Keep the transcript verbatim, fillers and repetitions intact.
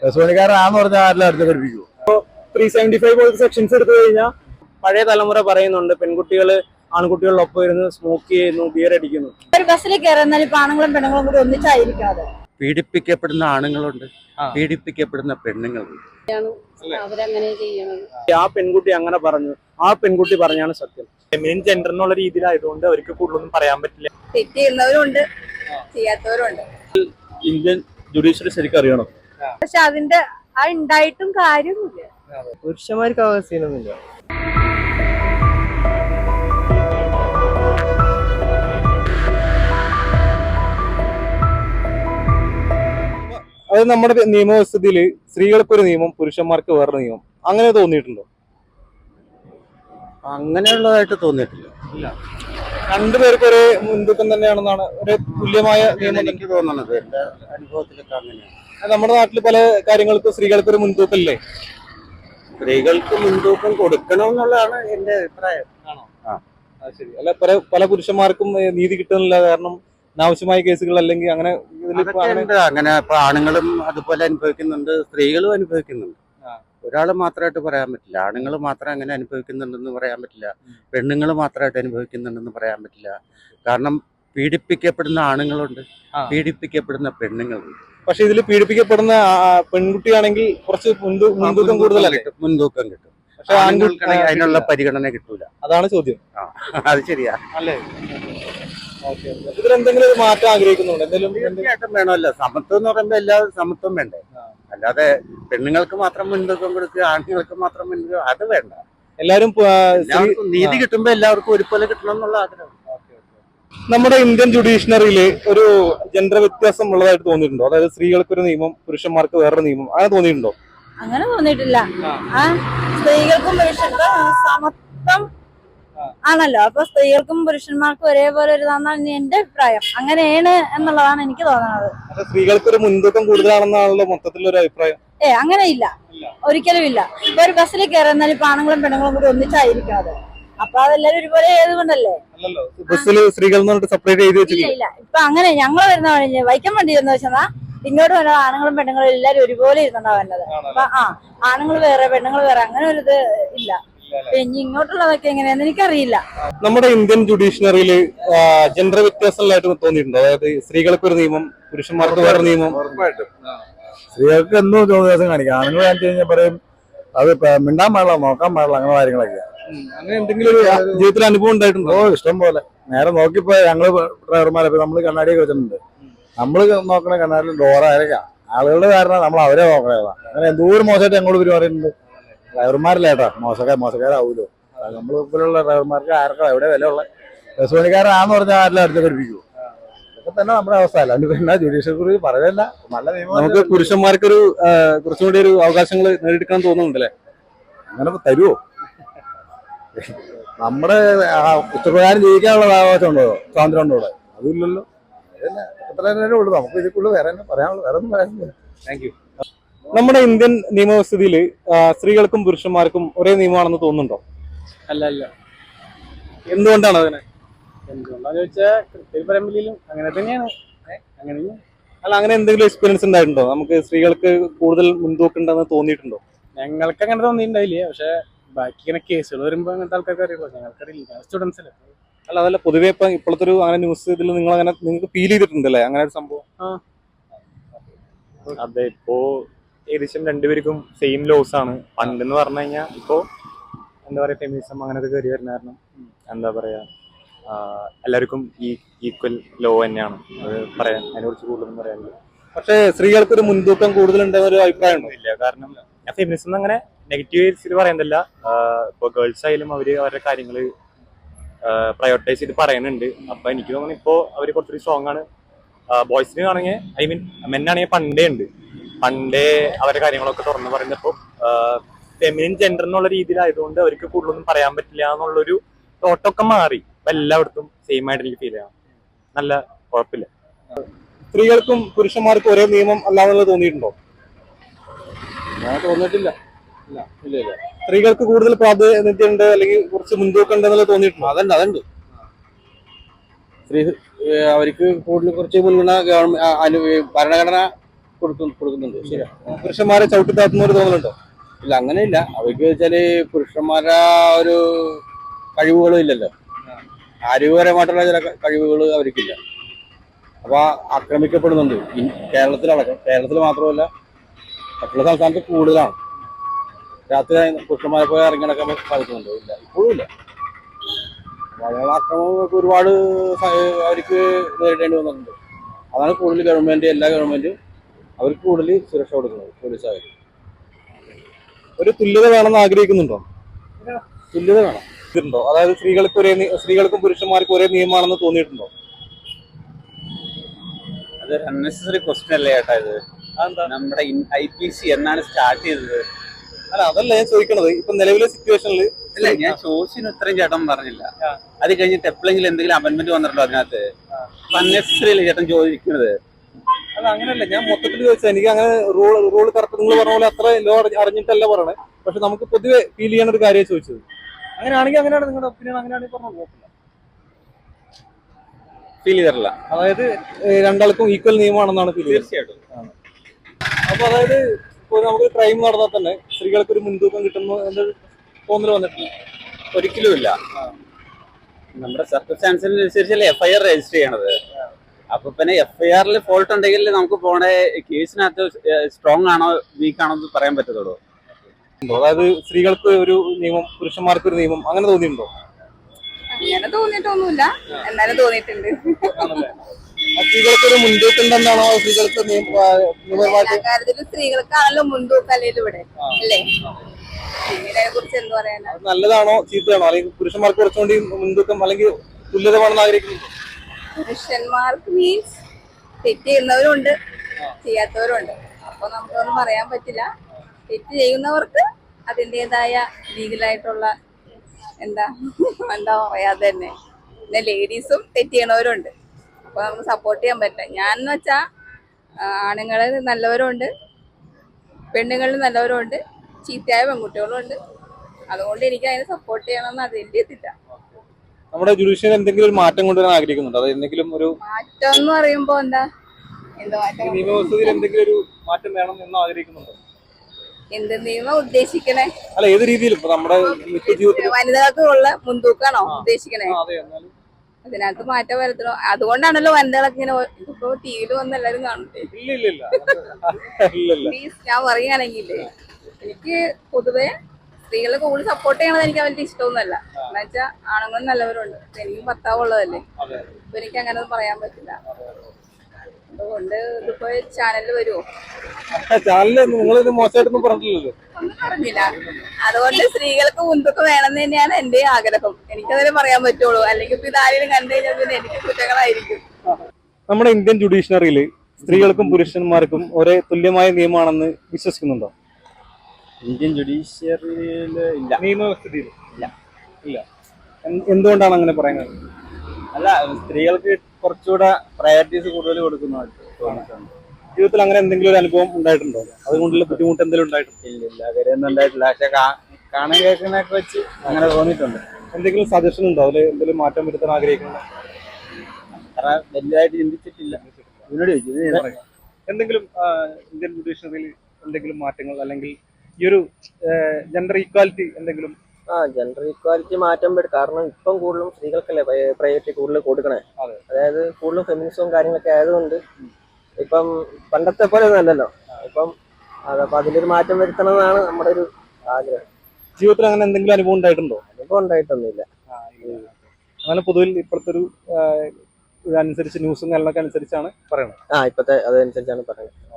Bus പണിക്കാരനാന്ന് പറഞ്ഞാൽ ആരെല്ലാം അടുത്ത് പഠിപ്പിക്കൂ. ത്രീ സെവന്റി ഫൈവ് പോലത്തെ സെക്ഷൻസ് എടുത്തു കഴിഞ്ഞാൽ പഴയ തലമുറ പറയുന്നുണ്ട് പെൺകുട്ടികള് ആൺകുട്ടികളിലൊപ്പം ഇരുന്ന് സ്മോക്ക് ചെയ്യുന്നു, ബിയർ അടിക്കുന്നു. ഒരു ബസ്സിൽ കയറുന്നാൽ ഇപ്പൊ ആണുങ്ങളും പെണ്ണുങ്ങളും കൂടി ഒന്നിച്ചായിരിക്കാതെ പീഡിപ്പിക്കപ്പെടുന്ന ആണുങ്ങളുണ്ട്, പീഡിപ്പിക്കപ്പെടുന്ന പെണ്ണുങ്ങളുണ്ട്. അവരങ്ങനെ ചെയ്യണത്. ആ പെൺകുട്ടി അങ്ങനെ പറഞ്ഞു, ആ പെൺകുട്ടി പറഞ്ഞാണ് സത്യം. ഫെമിനിൻ ജെൻഡർ എന്നുള്ള രീതിയിലായതുകൊണ്ട് അവർക്ക് കൂടുതലൊന്നും പറയാൻ പറ്റില്ല. തെറ്റ് ചെയ്യുന്നവരുണ്ട്, ചെയ്യാത്തവരുണ്ട്. ഇന്ത്യൻ ജുഡീഷ്യറി ശരിക്കും അറിയണം. പക്ഷെ അതിന്റെ ആ ഉണ്ടായിട്ടും കാര്യമില്ല. പുരുഷന്മാർക്ക് അവകാശമൊന്നുമില്ല. അത് നമ്മുടെ നിയമവ്യവസ്ഥയില് സ്ത്രീകൾക്കൊരു നിയമം, പുരുഷന്മാർക്ക് വേറൊരു നിയമം, അങ്ങനെ തോന്നിയിട്ടുണ്ടോ? അങ്ങനെയുള്ളതായിട്ട് തോന്നിയിട്ടില്ല. രണ്ടുപേർക്ക് ഒരേ മുൻതൂക്കം തന്നെയാണെന്നാണ്, ഒരു തുല്യമായ നിയമം എനിക്ക് തോന്നുന്നത്. എന്റെ അനുഭവത്തിലൊക്കെ അങ്ങനെയാണ്. നമ്മുടെ നാട്ടിൽ പല കാര്യങ്ങൾക്കും സ്ത്രീകൾക്ക് ഒരു മുൻതൂക്കം ഇല്ലേ? സ്ത്രീകൾക്ക് മുൻതൂക്കം കൊടുക്കണം എന്നുള്ളതാണ് എന്റെ അഭിപ്രായം. ശരി. അല്ല, പല പല പുരുഷന്മാർക്കും നീതി കിട്ടുന്നില്ല, കാരണം അനാവശ്യമായ കേസുകൾ അല്ലെങ്കിൽ അങ്ങനെ അങ്ങനെ ഇപ്പൊ ആണുങ്ങളും അതുപോലെ അനുഭവിക്കുന്നുണ്ട്, സ്ത്രീകളും അനുഭവിക്കുന്നുണ്ട്. ഒരാൾ മാത്രമായിട്ട് പറയാൻ പറ്റില്ല. ആണുങ്ങൾ മാത്രം അങ്ങനെ അനുഭവിക്കുന്നുണ്ടെന്ന് പറയാൻ പറ്റില്ല, പെണ്ണുങ്ങൾ മാത്രമായിട്ട് അനുഭവിക്കുന്നുണ്ടെന്ന് പറയാൻ പറ്റില്ല. കാരണം പീഡിപ്പിക്കപ്പെടുന്ന ആണുങ്ങളുണ്ട്, പീഡിപ്പിക്കപ്പെടുന്ന പെണ്ണുങ്ങളുണ്ട്. പക്ഷെ ഇതിൽ പീഡിപ്പിക്കപ്പെടുന്ന പെൺകുട്ടിയാണെങ്കിൽ കുറച്ച് മുൻതൂക്കം കൂടുതലല്ലേ? മുൻതൂക്കം കിട്ടും. പക്ഷെ ആൺകുട്ടികൾക്ക് അതിനുള്ള പരിഗണന കിട്ടൂല. അതാണ് ചോദ്യം. അത് ശരിയാ അല്ലേ? ഇതിലെന്തെങ്കിലും ഒരു മാറ്റം ആഗ്രഹിക്കുന്നുണ്ട്? എന്തെങ്കിലും തീർച്ചയായിട്ടും വേണമല്ലോ. സമത്വം എന്ന് പറയുമ്പോ എല്ലാവരും സമത്വം വേണ്ടേ? അല്ലാതെ പെണ്ണുങ്ങൾക്ക് മാത്രം മുൻതൂക്കം കൊടുക്കുക, ആണുങ്ങൾക്ക് മാത്രം മുൻതൂക്കം, അത് വേണ്ട. എല്ലാവരും നീതി കിട്ടുമ്പോ എല്ലാവർക്കും ഒരുപോലെ കിട്ടണം എന്നുള്ള ആഗ്രഹം. നമ്മുടെ ഇന്ത്യൻ ജുഡീഷ്യറിയില് ഒരു ജെൻഡർ വ്യത്യാസം ഉള്ളതായിട്ട് തോന്നിയിട്ടുണ്ടോ? അതായത് സ്ത്രീകൾക്ക് ഒരു നിയമം, പുരുഷന്മാർക്ക് വേറൊരു നിയമം, അങ്ങനെ തോന്നിയിട്ടുണ്ടോ? അങ്ങനെ തോന്നിയിട്ടില്ല. ആ സ്ത്രീകൾക്കും പുരുഷന്മാർക്കും സമത്വം ആണല്ലോ. അപ്പൊ സ്ത്രീകൾക്കും പുരുഷന്മാർക്കും ഒരേപോലെ ഒരു ഇതാണെന്നാണ് എന്റെ അഭിപ്രായം. അങ്ങനെയാണ് എന്നുള്ളതാണ് എനിക്ക് തോന്നുന്നത്. സ്ത്രീകൾക്ക് ഒരു മുൻതൂക്കം കൂടുതലാണെന്നാണല്ലോ മൊത്തത്തിലൊരു അഭിപ്രായം. ഏ അങ്ങനെ ഇല്ല, ഒരിക്കലും ഇല്ല. ഇപ്പൊ ഒരു ബസ്സിൽ കയറുന്നാൽ ഇപ്പൊ ആണുങ്ങളും പെണ്ണുങ്ങളും കൂടി ഒന്നിച്ചായിരിക്കാതെ, അപ്പൊ അതെല്ലാരും ഒരുപോലെ ഏതുകൊണ്ടല്ലേ? ബസ്സിൽ സ്ത്രീകൾ സെപ്പറേറ്റ് ചെയ്ത് വെച്ചില്ല. ഇല്ല, ഇപ്പൊ അങ്ങനെ ഞങ്ങള് വരുന്ന വഴി വൈക്കം വണ്ടി എന്ന് വെച്ചാൽ ഇങ്ങോട്ട് വന്ന ആണുങ്ങളും പെണ്ണുങ്ങളും എല്ലാരും ഒരുപോലെ ഇരുന്നുണ്ടാ വരുന്നത്. അപ്പൊ ആ ആണുങ്ങൾ വേറെ പെണ്ണുങ്ങൾ വേറെ അങ്ങനെ ഒരു ഇത് ഇല്ല. പിന്നെ ഇങ്ങോട്ടുള്ളതൊക്കെ എങ്ങനെയാന്ന് എനിക്കറിയില്ല. നമ്മുടെ ഇന്ത്യൻ ജുഡീഷ്യറിയില് ജെൻഡർ വ്യത്യാസങ്ങളായിട്ട് തോന്നിയിട്ടുണ്ടോ? അതായത് സ്ത്രീകൾക്ക് ഒരു നിയമം, പുരുഷന്മാർക്ക് വേറെ നിയമം. ഉറപ്പായിട്ടും സ്ത്രീകൾക്ക് എന്തോ വ്യത്യാസം കാണിക്കാം. ആണുങ്ങൾ കാണിച്ചു കഴിഞ്ഞാൽ പറയും അത് മിണ്ടാൻ പാടില്ല, നോക്കാൻ പാടില്ല, അങ്ങനെ കാര്യങ്ങളൊക്കെ. അങ്ങനെ എന്തെങ്കിലും ഒരു ജീവിതത്തിൽ അനുഭവം ഉണ്ടായിട്ടുണ്ടോ? ഓ ഇഷ്ടം പോലെ. നേരെ നോക്കിപ്പോ ഞങ്ങള് ഡ്രൈവർമാരെ നമ്മള് കണ്ണാടിയൊക്കെ വെച്ചിട്ടുണ്ട്. നമ്മള് നോക്കണ കണ്ണാടിയിൽ ഡോറ ആയിരിക്കാം. ആളുകളുടെ കാരണം നമ്മൾ അവരെ നോക്കണേതാ. അങ്ങനെ എന്തോരം മോശമായിട്ട് ഞങ്ങളോട് പെരുമാറിയിട്ടുണ്ട്. ഡ്രൈവർമാരില്ലേട്ടാ മോശക്കാർ മോശക്കാരാവൂലോ. നമ്മൾ ഇപ്പോഴുള്ള ഡ്രൈവർമാർക്ക് ആർക്കും എവിടെ വില ഉള്ള ബസ് പണിക്കാരനാന്ന് പറഞ്ഞാൽ ആരെല്ലാം അടുത്ത് പഠിപ്പിക്കൂ. ഇതൊക്കെ തന്നെ നമ്മുടെ അവസ്ഥ. അല്ലാണ്ട് പിന്നെ ജുഡീഷ്യറി കുറിച്ച് പറയല്ല. നല്ല നിയമം. നമുക്ക് പുരുഷന്മാർക്കൊരു കുറച്ചും കൂടി ഒരു അവകാശങ്ങൾ നേടിയെടുക്കാൻ തോന്നുന്നുണ്ടല്ലേ? അങ്ങനെ തരുമോ? നമ്മുടെ ഇഷ്ടപ്രകാരം ജീവിക്കാനുള്ള അവകാശം ഉണ്ടോ, സ്വാതന്ത്ര്യം ഉണ്ടോ? ഇവിടെ അതില്ലല്ലോ. അത്ര തന്നെ ഉള്ളൂ. നമുക്ക് ഇതിക്കുള്ളൂ വേറെ പറയാനുള്ളൂ, വേറെ ഒന്നും പറയാനില്ല. Thank you. നമ്മുടെ ഇന്ത്യൻ നിയമവ്യവസ്ഥയില് സ്ത്രീകൾക്കും പുരുഷന്മാർക്കും ഒരേ നിയമമാണെന്ന് തോന്നുന്നുണ്ടോ? അല്ല അല്ല. എന്തുകൊണ്ടാണ് അതിനെ? എന്തുകൊണ്ടാന്ന് ചോദിച്ചാൽ കൃത്യം പരമ്പരയിലും അങ്ങനെ തന്നെയാണ്. അങ്ങനെ അല്ല, അങ്ങനെ എന്തെങ്കിലും എക്സ്പീരിയൻസ് ഉണ്ടായിട്ടുണ്ടോ? നമുക്ക് സ്ത്രീകൾക്ക് കൂടുതൽ മുൻതൂക്കം ഉണ്ടെന്ന് തോന്നിയിട്ടുണ്ടോ? ഞങ്ങൾക്ക് അങ്ങനെ തോന്നിയിട്ടുണ്ടായില്ലേ. പക്ഷെ ബാക്കി ഇങ്ങനെ കേസുകൾ വരുമ്പോ അങ്ങനത്തെ ആൾക്കാർക്ക് അറിയുള്ളൂ. ഞങ്ങൾക്കറിയില്ല, സ്റ്റുഡൻസ് അല്ലേ. അല്ല, അതല്ല, പൊതുവെ ഇപ്പൊ ഇപ്പോഴത്തെ ഒരു അങ്ങനെ ന്യൂസ് ഇതിൽ നിങ്ങൾ അങ്ങനെ നിങ്ങൾക്ക് ഫീൽ ചെയ്തിട്ടുണ്ടല്ലേ അങ്ങനെ ഒരു സംഭവം? അതെ, ഇപ്പോ ഏകദേശം രണ്ടുപേർക്കും സെയിം ലോസ് ആണ്. പണ്ടെന്ന് പറഞ്ഞു കഴിഞ്ഞാൽ ഇപ്പോ എന്താ പറയാ ഫെമിനിസം അങ്ങനത്തെ കയറി വരുന്ന കാരണം എന്താ പറയാ എല്ലാവർക്കും ഈ ഈക്വൽ ലോ തന്നെയാണ്. അത് പറയാൻ അതിനെ കുറിച്ച് കൂടുതലൊന്നും പറയാനില്ല. പക്ഷേ സ്ത്രീകൾക്ക് ഒരു മുൻതൂക്കം കൂടുതലുണ്ടെന്ന ഒരു അഭിപ്രായം ഉണ്ടോ? ഇല്ല, കാരണം ഞാൻ ഫെമിനിസം അങ്ങനെ നെഗറ്റീവ് ഇത് പറയുന്നില്ല. ഇപ്പൊ ഗേൾസ് ആയാലും അവര് അവരുടെ കാര്യങ്ങള് പ്രയോറിറ്റൈസ് ചെയ്ത് പറയുന്നുണ്ട്. അപ്പൊ എനിക്ക് തോന്നുന്നു ഇപ്പോ അവര് കുറച്ചൊരു സ്ട്രോങ് ആണ്. ബോയ്സിന് ആണെങ്കിൽ ഐ മീൻ മെന്നാണെങ്കിൽ പണ്ടേ ഉണ്ട്. പണ്ടേ അവരുടെ കാര്യങ്ങളൊക്കെ തുറന്നു പറയുന്നപ്പോ ഫെമിനിൻ ജെൻഡർ എന്നുള്ള രീതിയിലായതുകൊണ്ട് അവർക്ക് കൂടുതലൊന്നും പറയാൻ പറ്റില്ല എന്നുള്ളൊരു തോട്ടൊക്കെ മാറി. അപ്പൊ എല്ലായിടത്തും സെയിം ആയിട്ട് എനിക്ക് ഫീൽ ചെയ്യാം. നല്ല കുഴപ്പമില്ല. സ്ത്രീകൾക്കും പുരുഷന്മാർക്കും ഒരേ നിയമം അല്ലാന്നുള്ളത് തോന്നിയിട്ടുണ്ടോ? ഞാൻ തോന്നിയിട്ടില്ല. ഇല്ല ഇല്ല ഇല്ല സ്ത്രീകൾക്ക് കൂടുതൽ പ്രാതിനിധ്യമുണ്ട് അല്ലെങ്കിൽ കുറച്ച് മുൻതൂക്കം ഉണ്ടെന്നുള്ളത് തോന്നിയിട്ടുണ്ടോ? അതുണ്ട് അതുണ്ട് സ്ത്രീ അവർക്ക് കൂടുതൽ കുറച്ച് മുൻഗണന ഗവൺമെന്റ് ഭരണഘടന കൊടുക്കുന്നു കൊടുക്കുന്നുണ്ട് ശരി. പുരുഷന്മാരെ ചവിട്ടി താത്തുന്ന ഒരു തോന്നലുണ്ടോ? ഇല്ല അങ്ങനെയില്ല. അവർക്ക് വെച്ചാല് പുരുഷന്മാരുടെ ഒരു കഴിവുകളും ഇല്ലല്ലോ, ആരോഗ്യപരമായിട്ടുള്ള ചില കഴിവുകൾ അവർക്കില്ല. അപ്പൊ ആക്രമിക്കപ്പെടുന്നുണ്ട് കേരളത്തിലടക്കം. കേരളത്തിൽ മാത്രമല്ല മറ്റുള്ള സംസ്ഥാനത്ത് കൂടുതലാണ്. രാത്രി പുരുഷന്മാരെ പോയി ഇറങ്ങി നടക്കാൻ സാധിക്കുന്നുണ്ടോ? ഇല്ല, ഇപ്പോഴും ഇല്ല. മലയാള ആക്രമണങ്ങൾക്ക് ഒരുപാട് അവർക്ക് നേരിടേണ്ടി വന്നിട്ടുണ്ട്. അതാണ് കൂടുതൽ ഗവൺമെന്റ്, എല്ലാ ഗവൺമെന്റും അവർക്ക് കൂടുതൽ സുരക്ഷ കൊടുക്കുന്നത് പോലീസുകാർ. ഒരു തുല്യത വേണമെന്ന് ആഗ്രഹിക്കുന്നുണ്ടോ? തുല്യത വേണം. ഇതുണ്ടോ? അതായത് സ്ത്രീകൾക്ക് ഒരേ നി- സ്ത്രീകൾക്കും പുരുഷന്മാർക്കും ഒരേ നിയമമാണെന്ന് തോന്നിയിട്ടുണ്ടോ? അതൊരു അൺനെസറി ക്വസ്റ്റ്യൻ അല്ലേ ചേട്ടാ ഇത്? നമ്മുടെ ഐ പി സി എന്നാണ് സ്റ്റാർട്ട് ചെയ്തത്? അല്ല, അതല്ല ഞാൻ ചോദിക്കണത്. ഇപ്പൊ നിലവിലെ സിറ്റുവേഷനിൽ അല്ല, ഞാൻ ചോദിച്ചതിന് ഉത്തരം ചേട്ടൻ പറഞ്ഞില്ല. അത് കഴിഞ്ഞിട്ട് എപ്പോഴെങ്കിലും എന്തെങ്കിലും അമെന്റ്മെന്റ് വന്നിട്ടുണ്ടോ അതിനകത്ത്? അൺനെസറി അല്ലേ ചേട്ടൻ ചോദിക്കുന്നത്? അല്ല അങ്ങനെയല്ല, ഞാൻ മൊത്തത്തിൽ ചോദിച്ചത്. എനിക്ക് അങ്ങനെ റൂൾ റൂൾ കറക്റ്റ് നിങ്ങൾ പറഞ്ഞ പോലെ അത്ര ലോ അറിഞ്ഞിട്ടല്ല പറയണേ. പക്ഷെ നമുക്ക് പൊതുവെ ഫീൽ ചെയ്യണ ഒരു കാര്യം ചോദിച്ചത്. അങ്ങനെയാണെങ്കിൽ അങ്ങനെയാണ് നിങ്ങളുടെ ഒപ്പീനിയൻ, അങ്ങനെയാണെങ്കിൽ പറഞ്ഞു നോക്കില്ല. ഫീൽ ചെയ്തിട്ടില്ല. അതായത് ഏഹ്, രണ്ടാൾക്കും ഈക്വൽ നിയമമാണെന്നാണ് ഫീൽ ചെയ്യുന്നത്. തീർച്ചയായിട്ടും. അപ്പൊ അതായത് ഇപ്പോൾ നമുക്ക് ക്രൈം നടന്നാൽ തന്നെ സ്ത്രീകൾക്ക് ഒരു മുൻതൂക്കം കിട്ടുന്നു എന്ന് തോന്നൽ വന്നിട്ടില്ല. ഒരിക്കലും ഇല്ല. നമ്മുടെ സർക്കംസ്റ്റാൻസിനനുസരിച്ചല്ലേ എഫ് ഐ ആർ രജിസ്റ്റർ ചെയ്യണത്. അപ്പൊ പിന്നെ എഫ് ഐ ആറിൽ ഫോൾട്ട് ഉണ്ടെങ്കിൽ നമുക്ക് പോണ കേസിനകത്ത് സ്ട്രോങ് ആണോ വീക്ക് ആണോ എന്ന് പറയാൻ പറ്റത്തുള്ളൂ. അതായത് സ്ത്രീകൾക്ക് ഒരു നിയമം, പുരുഷന്മാർക്ക് ഒരു നിയമം, അങ്ങനെ തോന്നിയിട്ടുണ്ടോ? അങ്ങനെ തോന്നിയിട്ടൊന്നുമില്ല, എന്നാലും തോന്നിയിട്ടുണ്ട്. സ്ത്രീകൾക്ക് ഒരു മുൻതൂക്കം ഉണ്ടെന്നാണോ? സ്ത്രീകൾക്ക് നിയമപരമായിട്ട് കാര്യത്തിലും സ്ത്രീകൾക്കാണല്ലോ മുൻതൂക്കം അല്ലേ ഇവിടെ, അല്ലേ? ഇതിനെ കുറിച്ച് എന്ത് പറയാനാ? അത് നല്ലതാണോ ചീത്തയാണോ? അല്ലെങ്കിൽ പുരുഷന്മാർക്ക് കുറച്ചുകൂടി മുൻതൂക്കം അല്ലെങ്കിൽ തുല്യത വേണമെന്ന് ആഗ്രഹിക്കുന്നുണ്ടോ? പുരുഷന്മാർക്ക് മീൻസ് തെറ്റ് ചെയ്യുന്നവരുണ്ട്, ചെയ്യാത്തവരുണ്ട്. അപ്പൊ നമുക്കൊന്നും പറയാൻ പറ്റില്ല. തെറ്റ് ചെയ്യുന്നവർക്ക് അതിൻ്റെതായ ലീഗലായിട്ടുള്ള എന്താ എന്താ പറയാതെ തന്നെ. പിന്നെ ലേഡീസും തെറ്റ് ചെയ്യണവരുണ്ട്. അപ്പൊ നമുക്ക് സപ്പോർട്ട് ചെയ്യാൻ പറ്റില്ല. ഞാൻ എന്ന് വെച്ചാ ആണുങ്ങളിൽ നല്ലവരുണ്ട്, പെണ്ണുങ്ങളിൽ നല്ലവരുണ്ട്, ചീത്തയായ പെൺകുട്ടികളും ഉണ്ട്. അതുകൊണ്ട് എനിക്ക് അതിനെ സപ്പോർട്ട് ചെയ്യണമെന്ന് അതിൻ്റെ എത്തില്ല. നമ്മുടെ ജുഡീഷ്യൽ എന്തെങ്കിലും ഒരു മാറ്റം കൊണ്ടുവരാൻ ആഗ്രഹിക്കുന്നുണ്ടോ? അത് എന്തെങ്കിലും ഒരു മാറ്റം എന്ന് പറയുമ്പോ എന്താ എന്ത് മാറ്റം? നിയമവ്യവസ്ഥയിൽ എന്തെങ്കിലും ഒരു മാറ്റം വേണം എന്ന് ആഗ്രഹിക്കുന്നുണ്ടോ? എന്ത് നിയമം ഉദ്ദേശിക്കണേ? അല്ല, ഏത് രീതിയിലും ഇപ്പൊ നമ്മുടെ നിത്യജീവിതത്തിൽ വനിതകൾക്ക് ഉള്ള മുൻതൂക്കാണോ ഉദ്ദേശിക്കണേ? അതെ, എന്നാലും അതിനകത്ത് മാറ്റം വരുത്തണോ? അതുകൊണ്ടാണല്ലോ വനിതകളൊക്കെ ഇങ്ങനെ ഇപ്പൊ ടി വിയിൽ വന്ന് എല്ലാരും കാണുന്നത്. ഇല്ല ഇല്ല ഇല്ല ഇല്ല ഇല്ല പ്ലീസ്, ഞാൻ പറയുകയാണെങ്കിൽ എനിക്ക് പൊതുവെ സ്ത്രീകളെ കൂടുതൽ സപ്പോർട്ട് ചെയ്യണത് എനിക്ക് അവരുടെ ഇഷ്ടമൊന്നുമല്ല. എന്ന് വെച്ചാൽ ആണുങ്ങളും നല്ലവരുണ്ട്. എനിക്കും ഭർത്താവ് ഉള്ളതല്ലേ, അപ്പൊ എനിക്ക് അങ്ങനെ ഒന്നും പറയാൻ പറ്റില്ല. അതുകൊണ്ട് ഇതിപ്പോ ചാനലിൽ വരുമോ? ചാനലിൽ നിങ്ങൾ മോശമായിട്ടൊന്നും പറഞ്ഞിട്ടില്ലല്ലോ. ഒന്നും പറഞ്ഞില്ല. അതുകൊണ്ട് സ്ത്രീകൾക്ക് മുൻതൂക്കം വേണമെന്ന് തന്നെയാണ് എന്റെ ആഗ്രഹം. എനിക്കതിനെ പറയാൻ പറ്റുള്ളൂ. അല്ലെങ്കിൽ ഇപ്പൊ ഇതാരെയും കണ്ടു കഴിഞ്ഞാൽ പിന്നെ എനിക്ക് കുറ്റങ്ങളായിരിക്കും. നമ്മുടെ ഇന്ത്യൻ ജുഡീഷ്യറിയിൽ സ്ത്രീകൾക്കും പുരുഷന്മാർക്കും ഒരേ തുല്യമായ നിയമമാണെന്ന് വിശ്വസിക്കുന്നുണ്ടോ? ഇന്ത്യൻ ജുഡീഷ്യറിയിൽ ഇല്ല. നിയമവ്യവസ്ഥയിൽ ഇല്ല ഇല്ല എന്ത്- എന്തുകൊണ്ടാണ് അങ്ങനെ പറയുന്നത്? അല്ല, സ്ത്രീകൾക്ക് കുറച്ചുകൂടെ പ്രയോറിറ്റീസ് കൂടുതൽ കൊടുക്കുന്നതായിട്ട് തോന്നിയിട്ടുണ്ട്. ജീവിതത്തിൽ അങ്ങനെ എന്തെങ്കിലും ഒരു അനുഭവം ഉണ്ടായിട്ടുണ്ടോ? അതുകൊണ്ടുള്ള ബുദ്ധിമുട്ട് എന്തെങ്കിലും ഉണ്ടായിട്ടുണ്ടോ? ഇല്ല ഇല്ല, കാര്യമൊന്നും ഉണ്ടായിട്ടില്ല. പക്ഷെ കാണാൻ കേൾക്കുന്നതൊക്കെ വെച്ച് അങ്ങനെ തോന്നിയിട്ടുണ്ട്. എന്തെങ്കിലും സജഷൻ ഉണ്ടോ? അതിൽ എന്തെങ്കിലും മാറ്റം വരുത്താൻ ആഗ്രഹിക്കുന്നത്? അത്ര വലുതായിട്ട് ചിന്തിച്ചിട്ടില്ല. ഇതിനോട് ചോദിച്ചു, ഇത് ഞാൻ പറയാം. എന്തെങ്കിലും ആ, ഇന്ത്യൻ ജുഡീഷ്യറിയിൽ എന്തെങ്കിലും മാറ്റങ്ങൾ അല്ലെങ്കിൽ ഈ ഒരു ജെൻഡർ ഈക്വാലിറ്റി എന്തെങ്കിലും? ആ ജെൻഡർ ഈക്വാലിറ്റി മാറ്റം വരും. കാരണം ഇപ്പം കൂടുതലും സ്ത്രീകൾക്കല്ലേ പ്രയോറിറ്റി കൂടുതൽ കൊടുക്കണേ. അതെ. അതായത് കൂടുതലും ഫെമിനിസവും കാര്യങ്ങളൊക്കെ ആയതുകൊണ്ട് ഇപ്പം പണ്ടത്തെ പോലെ ഒന്നും അല്ലല്ലോ ഇപ്പം. അതപ്പോ അതിലൊരു മാറ്റം വരുത്തണം എന്നാണ് നമ്മുടെ ഒരു ആഗ്രഹം. ജീവിതത്തിൽ അങ്ങനെ എന്തെങ്കിലും അനുഭവം ഉണ്ടായിട്ടുണ്ടോ? അനുഭവം ഉണ്ടായിട്ടൊന്നുമില്ല. അങ്ങനെ പൊതുവിൽ ഇപ്പോഴത്തെ ഒരു ഇതനുസരിച്ച് ന്യൂസും കാര്യങ്ങളൊക്കെ അനുസരിച്ചാണ് പറയുന്നത്. ആ ഇപ്പത്തെ അതനുസരിച്ചാണ് പറയുന്നത്.